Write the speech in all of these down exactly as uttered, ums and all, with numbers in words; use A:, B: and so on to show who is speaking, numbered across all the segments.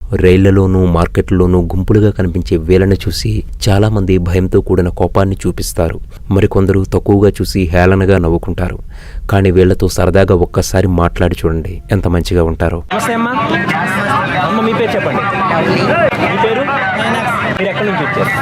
A: రైళ్లలోనూ మార్కెట్లలోనూ గుంపులుగా కనిపించే వీళ్ళని చూసి చాలామంది భయంతో కూడిన కోపాన్ని చూపిస్తారు. మరికొందరు తక్కువగా చూసి హేళనగా నవ్వుకుంటారు. కానీ వీళ్లతో సరదాగా ఒక్కసారి మాట్లాడి చూడండి, ఎంత మంచిగా ఉంటారో. మీ పేరు చెప్పండి. మీ పేరు? మీరు ఎక్కడి నుంచి వచ్చారు?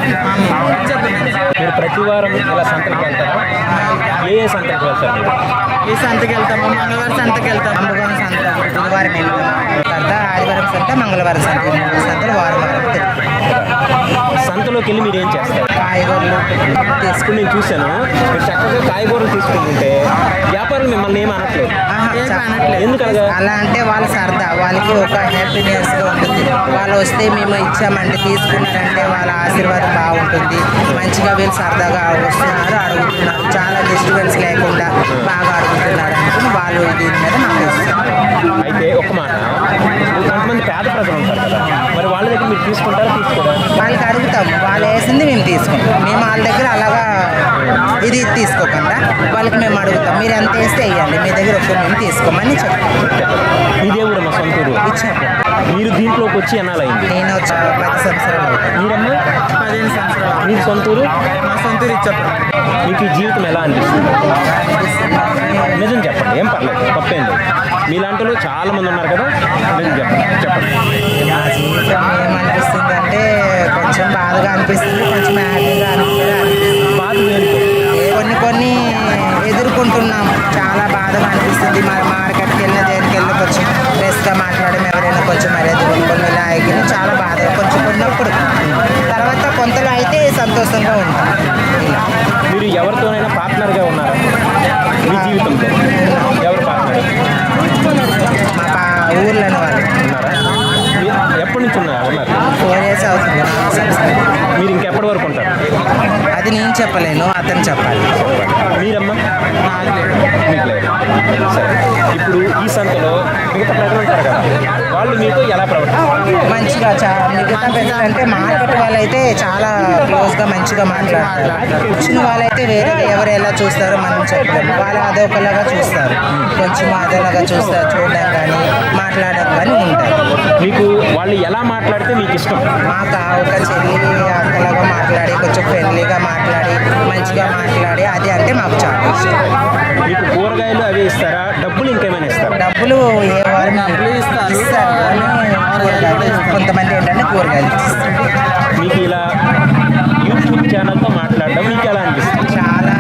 A: మీరు ప్రతి వారం ఇలా సంతకి వెళ్తారా? ఏ ఏ సంతకి వెళ్తారు మీరు?
B: ఈ సంతకి వెళ్తాము, మంగళవారం సంతకి వెళ్తాము, అంబగోన సంత, బుధవారం సంత, ఆదివారం సంత, మంగళవారం సంత, మూడు సంతలు వారం వారం
A: సంతలోకి వెళ్ళి మీరు ఏం చేస్తారు?
B: కాయగూరలు
A: తీసుకుని నేను చూశాను. మీరు చక్కగా కాయగూరలు తీసుకుంటుంటే వ్యాపారులు మిమ్మల్ని ఏం అనట్లేదు. ఎందుకనగా?
B: అలా అంటే వాళ్ళ సరదా, వాళ్ళకి ఒక హ్యాపీనెస్గా ఉంటుంది. వాళ్ళు వస్తే మేము ఇచ్చామంటే తీసుకున్నారంటే వాళ్ళ ఆశీర్వాదం బాగుంటుంది. మంచిగా వీళ్ళు సరదాగా వస్తున్నారు, అడుగుతున్నారు, చాలా డిస్టర్బెన్స్ లేకుండా బాగా అడుగుతున్నారు అనుకుని వాళ్ళు దీని మీద నాకు ఇస్తారు.
A: అయితే ఒక మాట, కొంతమంది పేద ప్రజలు ఉంటారు కదా, మరి వాళ్ళ దగ్గర మీరు తీసుకుంటారా తీసుకోరా?
B: వాళ్ళకి అడుగుతాము, వాళ్ళు వేసింది మేము తీసుకుంటాం. మేము వాళ్ళ దగ్గర అలాగా ఇది తీసుకోకుండా వాళ్ళకి మేము అడుగుతాం, మీరు ఎంత వేస్తే వేయండి, మీ దగ్గర ఒక్క మేము తీసుకోమని చెప్తాం.
A: ఇదే కూడా మా సొంతూరు.
B: ఇచ్చాము.
A: మీరు దీంట్లోకి వచ్చి ఎన్నాలైంది?
B: నేను వచ్చి పది సంవత్సరాలు అవుతాను.
A: మీరమ్మా?
B: పదిహేను సంవత్సరాలు.
A: మీరు సొంతూరు?
B: మా సొంతూరు ఇచ్చాము.
A: మీకు ఈ జీవితం ఎలా అనిపిస్తుంది? నిజం చెప్పండి, ఏం పర్లేదు, తప్పేం లేదు. మీలాంటి వాళ్ళు చాలా మంది ఉన్నారు కదా, నిజం చెప్పండి చెప్పండి.
B: మా జీవితం ఏమనిపిస్తుంది అంటే కొంచెం బాధగా అనిపిస్తుంది, కొంచెం హ్యాపీగా అనిపిస్తుంది.
A: బాధ వేరుకో.
B: కొన్ని కొన్ని ఎదుర్కొంటున్నాం, చాలా బాధగా అనిపిస్తుంది. మన మార్కెట్కి వెళ్ళిన దేనికి వెళ్ళి కొంచెం ఫ్రెష్గా మాట్లాడడం, ఎవరైనా కొంచెం మర్యాద కొన్ని ఇలా ఎగిరి చాలా బాధ కొంచెం కొన్నప్పుడు. తర్వాత కొంతలో అయితే సంతోషంగా ఉంటాం. ఇలా
A: మీరు ఎవరితోనైనా పార్ట్నర్గా ఉన్నారా మీ జీవితంలో? ఎవరు పార్ట్నర్?
B: మా పా ఊర్లోని వాళ్ళు
A: ఉన్నారా? ఎప్పటి నుంచి ఉన్నారు ఉన్నారు?
B: ఫోర్ ఇయర్స్ అవుతుంది.
A: మీరు ఇంకెప్పటి వరకు ఉంటారు?
B: అది నేను చెప్పలేను, అతను చెప్పాలి.
A: మీరమ్మా? మీకు లేదు. సరే, ఇప్పుడు ఈ సంతలో మిగతా ప్రజలు ఉంటారు కదా, వాళ్ళు మీతో ఎలా ప్రవర్తిస్తారు?
B: మంచిగా చా మిగతా ప్రజలంటే మార్కెట్ వాళ్ళైతే చాలా క్లోజ్గా మంచిగా మాట్లాడతారు. వచ్చిన వాళ్ళైతే వేరే ఎవరు ఎలా చూస్తారో మనం చెప్పలేము. వాళ్ళు అదొకలాగా చూస్తారు, కొంచెం అదోలాగా చూస్తారు, చూడడం కానీ మాట్లాడడం కానీ ఉంటారు.
A: మీకు వాళ్ళు ఎలా మాట్లాడితే మీకు ఇష్టం?
B: మాకు ఒక చెల్లి అక్కలాగా మాట్లాడి, కొంచెం ఫ్రెండ్లీగా మాట్లాడి, మంచిగా మాట్లాడి, అది అంటే మాకు చాలా ఇష్టం.
A: మీకు కూరగాయలు అవి ఇస్తారా? డబ్బులు ఇంకేమైనా ఇస్తారా?
B: డబ్బులు ఏ వారు ఇస్తారు, కానీ కొంతమంది ఏంటంటే కూరగాయలు ఇస్తారు.
A: మీకు ఇలా యూట్యూబ్ ఛానల్తో మాట్లాడడం మీకు ఎలా అనిపిస్తుంది?
B: చాలా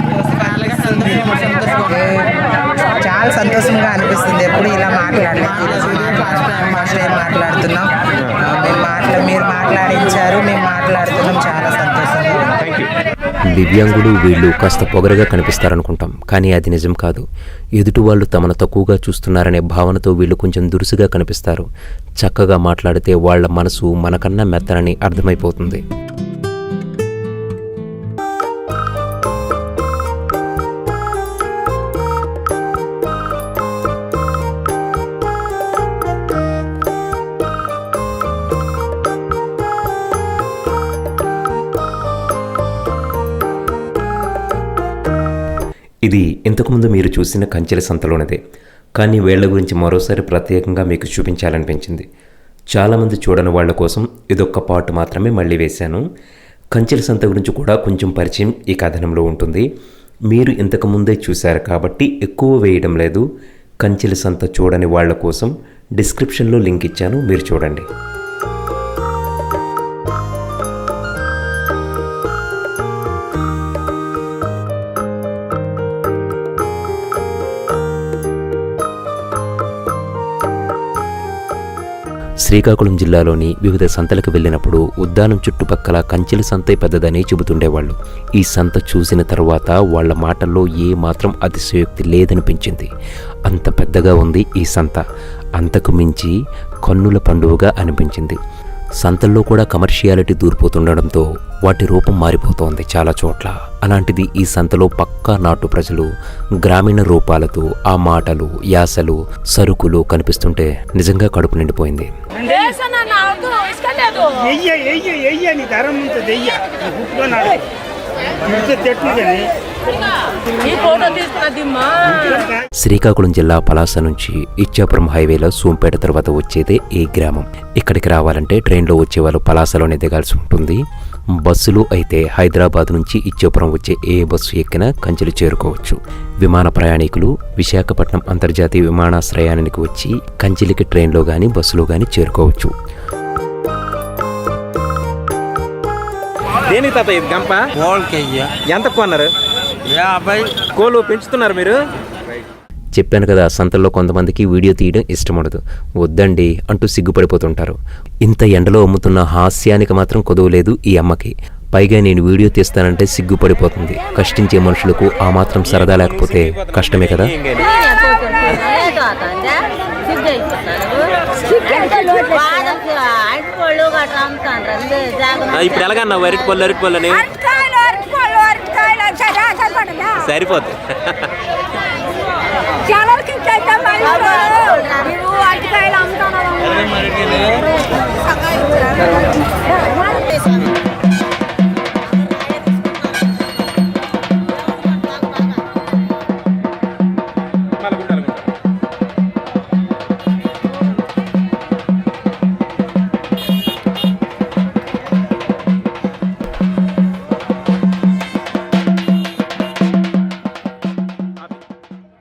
B: సంతోషంగా చాలా సంతోషంగా అనిపిస్తుంది. ఎప్పుడు ఇలా మాట్లాడలేదు, ఫస్ట్ టైం మాట్లాడుతున్నాం. మేము మాట్లా మీరు మాట్లాడించారు, మేము మాట్లాడుతున్నాం, చాలా సంతోషంగా.
A: Thank you.
C: దివ్యాంగులు వీళ్ళు కాస్త పొగరగా కనిపిస్తారనుకుంటాం, కానీ అది నిజం కాదు. ఎదుటి వాళ్ళు తమను తక్కువగా చూస్తున్నారనే భావనతో వీళ్ళు కొంచెం దురుసుగా కనిపిస్తారు. చక్కగా మాట్లాడితే వాళ్ళ మనసు మనకన్నా మెత్తనని అర్థమైపోతుంది. ఇది ఇంతకుముందు మీరు చూసిన కంచెల సంతలోనిదే, కానీ వీళ్ల గురించి మరోసారి ప్రత్యేకంగా మీకు చూపించాలనిపించింది. చాలామంది చూడని వాళ్ల కోసం ఇదొక్క పాటు మాత్రమే మళ్ళీ వేశాను. కంచెల సంత గురించి కూడా కొంచెం పరిచయం ఈ కథనంలో ఉంటుంది. మీరు ఇంతకుముందే చూశారు కాబట్టి ఎక్కువ వేయడం లేదు. కంచెల సంత చూడని వాళ్ల కోసం డిస్క్రిప్షన్లో లింక్ ఇచ్చాను, మీరు చూడండి. శ్రీకాకుళం జిల్లాలోని వివిధ సంతలకు వెళ్ళినప్పుడు ఉద్యానం చుట్టుపక్కల కంచెల సంతే పెద్దదని చెబుతుండేవాళ్ళు. ఈ సంత చూసిన తర్వాత వాళ్ల మాటల్లో ఏ మాత్రం అతిశయోక్తి లేదనిపించింది. అంత పెద్దగా ఉంది ఈ సంత. అంతకు మించి కన్నుల పండువగా అనిపించింది. సంతల్లో కూడా కమర్షియాలిటీ దూరిపోతుండడంతో వాటి రూపం మారిపోతోంది చాలా చోట్ల. అలాంటిది ఈ సంతలో పక్కా నాటు ప్రజలు గ్రామీణ రూపాలతో ఆ మాటలు, యాసలు, సరుకులు కనిపిస్తుంటే నిజంగా కడుపు నిండిపోయింది. శ్రీకాకుళం జిల్లా పలాస నుంచి ఇచ్చాపురం హైవేలో సోంపేట తర్వాత వచ్చేదే ఈ గ్రామం. ఇక్కడికి రావాలంటే ట్రైన్లో వచ్చేవాళ్ళు పలాసలోనే దిగాల్సి ఉంటుంది. బస్సులు అయితే హైదరాబాద్ నుంచి ఇచ్చాపురం వచ్చే ఏ బస్సు ఎక్కినా కంచెలు చేరుకోవచ్చు. విమాన ప్రయాణికులు విశాఖపట్నం అంతర్జాతీయ విమానాశ్రయానికి వచ్చి కంచెలికి ట్రైన్లో కానీ బస్సులో కానీ చేరుకోవచ్చు.
A: దేనికి తాత ఇది గంప ఎంత కొన్నారు?
D: యాభై
A: కోళ్ళు పెంచుతున్నారు మీరు?
C: చెప్పాను కదా, సంతల్లో కొంతమందికి వీడియో తీయడం ఇష్టం ఉండదు. వద్దండి అంటూ సిగ్గుపడిపోతుంటారు. ఇంత ఎండలో అమ్ముతున్న హాస్యానికి మాత్రం కొదవలేదు ఈ అమ్మకి. పైగా నేను వీడియో తీస్తానంటే సిగ్గుపడిపోతుంది. కష్టించే మనుషులకు ఆ మాత్రం సరదా లేకపోతే కష్టమే కదా.
A: ఇప్పుడు ఎలాగన్నా అరటి పళ్ళు అరటి పళ్ళు అని సరిపోద్ది.
E: చాలా